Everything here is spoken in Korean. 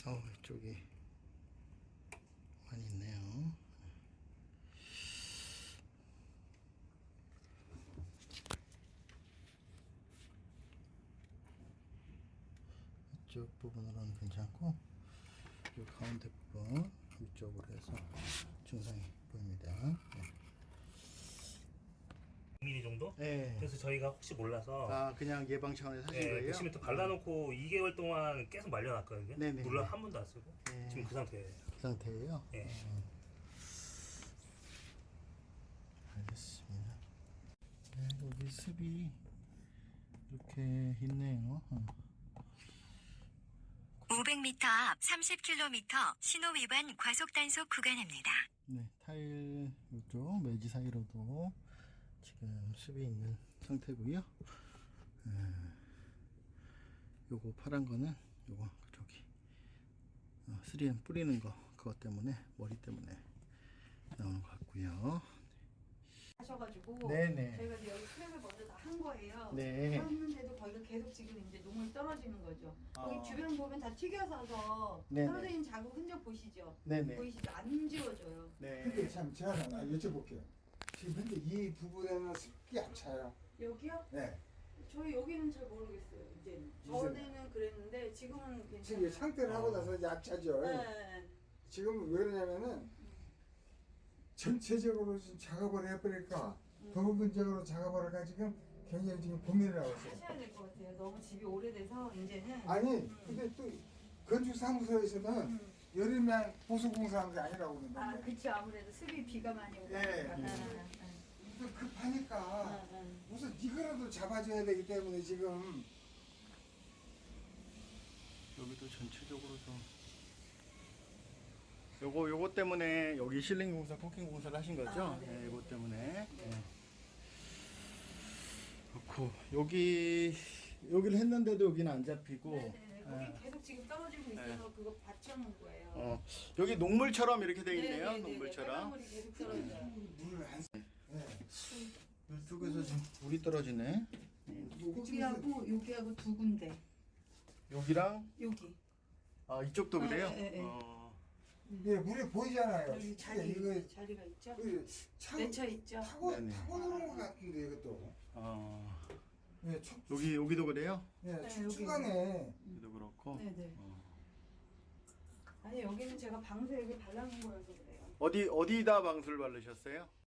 이쪽이 많이 있네요. 이쪽 부분으로는 괜찮고, 이 가운데 부분 위쪽으로 해서 증상이 보입니다. 네. 1mm 정도? 네. 그래서 저희가 혹시 몰라서 그냥 예방 차원에서 하신 네, 거예요? 데시미터 발라놓고 2개월 동안 계속 말려놨거든요. 네네. 물론 한 번도 안 쓰고 네. 지금 그 상태예요. 그 상태예요? 네. 알겠습니다. 네, 여기 습이 이렇게 있네요. 500m 앞 30km 신호 위반 과속 단속 구간입니다. 네, 타일 이쪽 매지 사이로도 지금 습이 있는 상태고요. 요거 파란 거는 요거 저기 3M 뿌리는 거 그것 때문에 머리 때문에 나오는 것 같고요. 하셔가지고 네네. 저희가 이제 여기 수액을 먼저 다 한 거예요. 네. 했는데도 거기가 계속 지금 이제 녹물 떨어지는 거죠. 여기 주변 보면 다 튀겨서서 네네. 떨어진 자국 흔적 보시죠? 네네. 보이시죠? 안 지워져요. 네. 근데 참 제가 하나 여쭤볼게요. 지금 현재 이 부분에는 습기 안 차요? 여기요? 네. 저희 여기는 잘 모르겠어요. 이제는. 전에는 그랬는데 지금은 괜찮아요. 지금 상태를 하고 나서 이제 약차죠. 네. 지금 왜 그러냐면은 전체적으로 지금 작업을 해버릴까 부분적으로 작업을 해가지고 굉장히 지금 고민을 하고 있어요. 하셔야 될 것 같아요. 너무 집이 오래돼서 이제는. 아니 근데 또 건축사무소에서는 여름에 보수공사하는 게 아니라고 그러는데 그쵸. 아무래도 습이 비가 많이 오고. 네. 그러니까. 또 급하니까 우선 이거라도 잡아줘야 되기 때문에 지금 여기도 전체적으로 좀 요거 때문에 여기 실링 공사, 코킹 공사를 하신 거죠? 네. 네, 이거 때문에. 네. 그렇고 여기를 했는데도 여기는 안 잡히고. 네네네. 거기 계속 지금 떨어지고 있어서 그거 받쳐놓은 거예요. 여기 녹물처럼 이렇게 돼 있네요. 네네네네. 녹물처럼. 빨간물이 계속 떨어져요. 물을 안 네. 이쪽에서 지금 물이 떨어지네. 여기하고 여기하고 두 군데. 여기랑 여기. 이쪽도 그래요? 네. 예, 물이 보이잖아요. 여기 자리가 있죠? 맺혀 있죠? 네네. 타고 노는 것 같은데 이것도. 예, 여기도 그래요? 예, 네, 축축하네. 여기도 그렇고. 네네. 아니 여기는 제가 방수 여기 발라놓은 거여서 그래요. 어디다 방수를 바르셨어요?